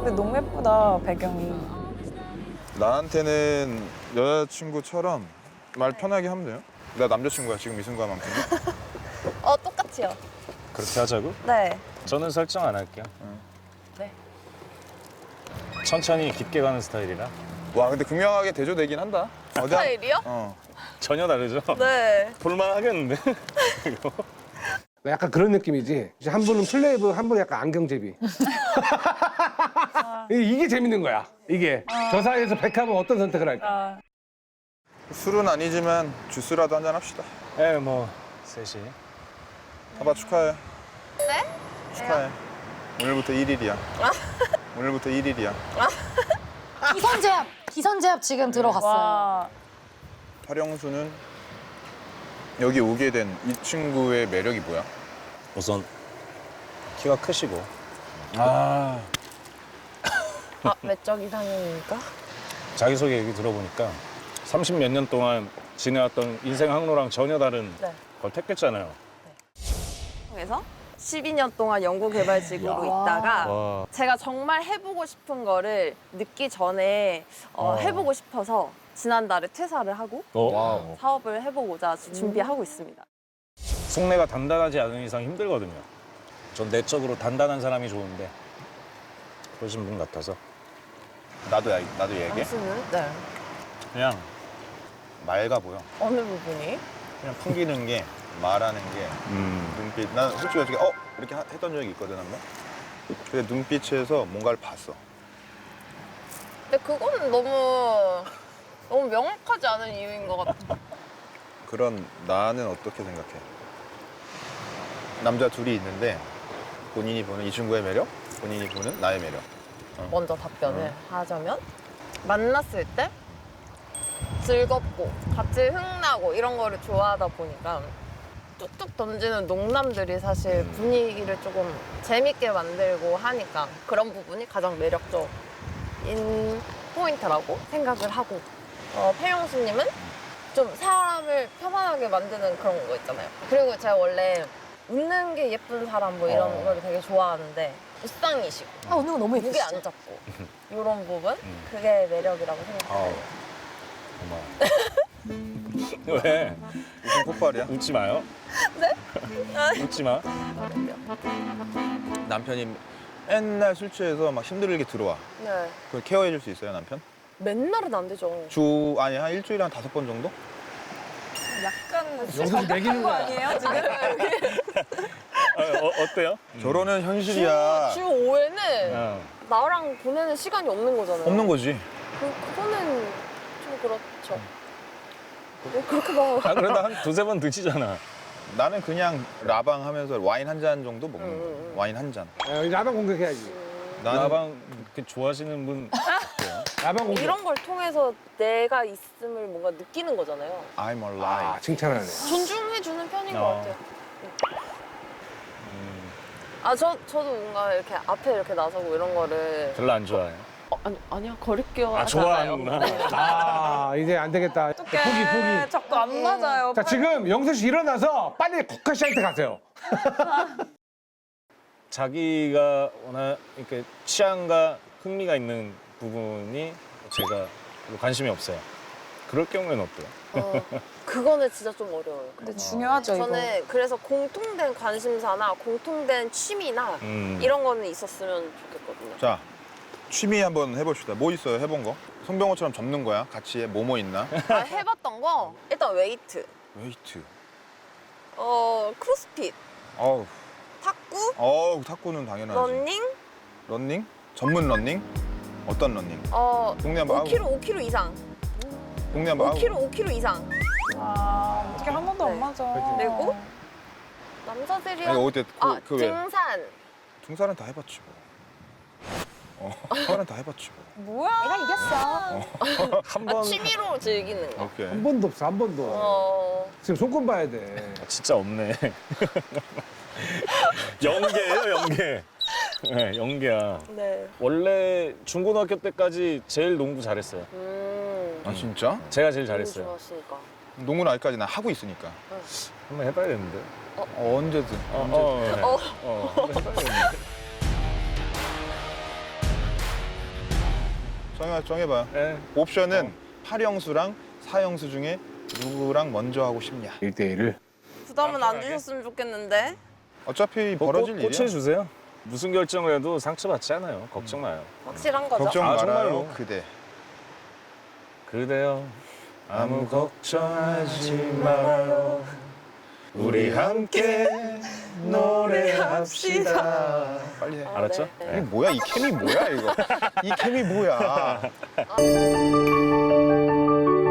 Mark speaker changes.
Speaker 1: 근데 너무 예쁘다, 배경이.
Speaker 2: 나한테는 여자친구처럼 말 편하게 하면 돼요? 나 남자친구야, 지금 이 순간만큼.
Speaker 1: 똑같이요.
Speaker 3: 그렇게 하자고?
Speaker 1: 네.
Speaker 3: 저는 설정 안 할게요.
Speaker 1: 네.
Speaker 3: 천천히 깊게 가는 스타일이라.
Speaker 2: 와, 근데 극명하게 대조되긴 한다.
Speaker 1: 스타일이요?
Speaker 3: 전혀 다르죠?
Speaker 1: 네.
Speaker 3: 볼만 하겠는데? 이거.
Speaker 4: 약간 그런 느낌이지. 이제 한 분은 플레이브, 한 분은 약간 안경제비. 이게 재밌는 거야. 이게 저 사이에서 백합은 어떤 선택을 할까?
Speaker 2: 술은 아니지만 주스라도 한잔 합시다.
Speaker 3: 예, 뭐 셋이.
Speaker 2: 아빠 축하해.
Speaker 1: 네?
Speaker 2: 축하해. 오늘부터 1일이야. 오늘부터 1일이야.
Speaker 5: 기선제압 지금 들어갔어요.
Speaker 1: 와.
Speaker 2: 화령수는 여기 오게 된 이 친구의 매력이 뭐야?
Speaker 3: 우선 키가 크시고.
Speaker 1: 외적 이상형입니까?
Speaker 3: 자기소개 얘기 들어보니까 30몇 년 동안 지내왔던 인생 항로랑 전혀 다른
Speaker 1: 네.
Speaker 3: 걸 택했잖아요.
Speaker 6: 에서 12년 동안 연구개발직으로 있다가
Speaker 3: 와.
Speaker 6: 제가 정말 해보고 싶은 거를 늦기 전에 해보고 싶어서 지난달에 퇴사를 하고
Speaker 3: 와우.
Speaker 6: 사업을 해보고자 준비하고 있습니다.
Speaker 3: 속내가 단단하지 않은 이상 힘들거든요. 전 내적으로 단단한 사람이 좋은데 그러신 분 같아서
Speaker 2: 나도 얘기해?
Speaker 6: 당신은? 네.
Speaker 2: 그냥 맑아 보여.
Speaker 6: 어느 부분이?
Speaker 2: 그냥 풍기는 게, 말하는 게, 눈빛. 난 솔직히 어떻게 이렇게 했던 적이 있거든, 한 번. 근데 눈빛에서 뭔가를 봤어.
Speaker 6: 근데 그거는 너무 명확하지 않은 이유인 것 같아.
Speaker 2: 그런 나는 어떻게 생각해? 남자 둘이 있는데 본인이 보는 이 친구의 매력, 본인이 보는 나의 매력.
Speaker 6: 먼저 답변을 하자면 만났을 때 즐겁고 같이 흥나고 이런 거를 좋아하다 보니까 뚝뚝 던지는 농담들이 사실 분위기를 조금 재밌게 만들고 하니까 그런 부분이 가장 매력적인 포인트라고 생각을 하고 폐영수님은 좀 사람을 편안하게 만드는 그런 거 있잖아요. 그리고 제가 원래 웃는 게 예쁜 사람 뭐 이런 걸 되게 좋아하는데 웃상이시고
Speaker 5: 오늘 너무
Speaker 6: 무게
Speaker 5: 예쁘시죠?
Speaker 6: 안 잡고 이런 부분 그게 매력이라고 생각해요.
Speaker 3: 고마워. 왜?
Speaker 2: 무슨 폭발이야?
Speaker 3: 웃지 마요. 네? 웃지 마.
Speaker 2: 남편이 맨날 술 취해서 막 힘들게 들어와.
Speaker 6: 네.
Speaker 2: 그걸 케어해 줄 수 있어요, 남편?
Speaker 6: 맨날은 안 되죠.
Speaker 2: 한 일주일에 한 5번 정도?
Speaker 1: 약간
Speaker 4: 여기서 매기는 거야.
Speaker 1: 아니에요, 지금?
Speaker 3: 어때요?
Speaker 2: 결혼은 현실이야.
Speaker 6: 주 5회는
Speaker 3: 어.
Speaker 6: 나랑 보내는 시간이 없는 거잖아요.
Speaker 2: 없는 거지.
Speaker 6: 그거는 좀 그렇죠. 왜 그렇게 막
Speaker 3: 그래도 한 두세 번 드시잖아.
Speaker 2: 나는 그냥 라방 하면서 와인 한 잔 정도 먹는 거야. 와인 한 잔.
Speaker 4: 라방 공격해야지.
Speaker 2: 나는
Speaker 3: 나방 그렇게 좋아하시는 분
Speaker 4: 라방 공격.
Speaker 6: 이런 걸 통해서 내가 있음을 뭔가 느끼는 거잖아요.
Speaker 2: I'm alive.
Speaker 4: 칭찬하네.
Speaker 6: 존중해주는 편인 것
Speaker 3: 어.
Speaker 6: 같아요. 저도 뭔가 이렇게 앞에 이렇게 나서고 이런 거를
Speaker 3: 별로 안 좋아해요.
Speaker 6: 아니요 거리끼어
Speaker 3: 아, 좋아하는구나.
Speaker 4: 이제 안 되겠다. 포기.
Speaker 1: 자꾸 안 맞아요.
Speaker 4: 자, 지금 영수 씨 일어나서 빨리 국화 씨한테 가세요.
Speaker 3: 자기가 워낙 이렇게 취향과 흥미가 있는 부분이 제가 별로 관심이 없어요. 그럴 경우에는 어때요?
Speaker 6: 그거는 진짜 좀 어려워요.
Speaker 1: 근데 중요하죠, 이거.
Speaker 6: 저는 그래서 공통된 관심사나 공통된 취미나 이런 거는 있었으면 좋겠거든요.
Speaker 2: 자, 취미 한번 해봅시다. 뭐 있어요, 해본 거? 송병호처럼 접는 거야? 같이 해. 뭐뭐 있나?
Speaker 6: 해봤던 거 일단 웨이트,
Speaker 2: 웨이트.
Speaker 6: 크로스핏,
Speaker 2: 어우,
Speaker 6: 탁구,
Speaker 2: 탁구는 당연하지.
Speaker 6: 러닝,
Speaker 2: 런닝? 전문 런닝? 어떤 런닝? 동네 한번
Speaker 6: 5km 이상,
Speaker 2: 동네 한번
Speaker 6: 5km 이상.
Speaker 1: 이렇게 한 번도 안 맞아.
Speaker 6: 그리고 남자들이랑
Speaker 2: 아니, 어때? 그 왜?
Speaker 6: 등산.
Speaker 2: 등산은 다 해봤지 뭐. 등산은 다 해봤지 뭐.
Speaker 1: 뭐야?
Speaker 5: 내가 이겼어.
Speaker 3: 한 번
Speaker 6: 취미로 즐기는 거.
Speaker 2: 오케이.
Speaker 4: 한 번도 없어, 한 번도. 지금 손금 봐야 돼.
Speaker 3: 진짜 없네. 연계예요, 연계. 네, 연계야.
Speaker 6: 네.
Speaker 3: 원래 중고등학교 때까지 제일 농구 잘했어요.
Speaker 2: 아 진짜?
Speaker 3: 제가 제일
Speaker 6: 너무
Speaker 3: 잘했어요.
Speaker 6: 좋았으니까.
Speaker 2: 농구는 아직까지 난 하고 있으니까.
Speaker 3: 한번 해봐야겠는데.
Speaker 2: 언제든.
Speaker 3: 한번 해봐야겠는데.
Speaker 2: 정해봐요.
Speaker 3: 네.
Speaker 2: 옵션은 8형수랑 4형수 중에 누구랑 먼저 하고 싶냐.
Speaker 4: 1대1을.
Speaker 6: 부담은 안 주셨으면 좋겠는데.
Speaker 2: 어차피 벌어질 일이야.
Speaker 3: 고쳐주세요. 무슨 결정을 해도 상처받지 않아요. 걱정 마요.
Speaker 6: 확실한 거죠?
Speaker 2: 걱정
Speaker 3: 아,
Speaker 2: 말아요,
Speaker 3: 정말로.
Speaker 2: 그대.
Speaker 3: 그대여 아무 걱정하지 말아요. 우리 함께 노래합시다.
Speaker 2: 빨리 해.
Speaker 3: 알았죠?
Speaker 6: 네.
Speaker 2: 이게 뭐야? 이 케미 뭐야 이거? 이 케미 뭐야?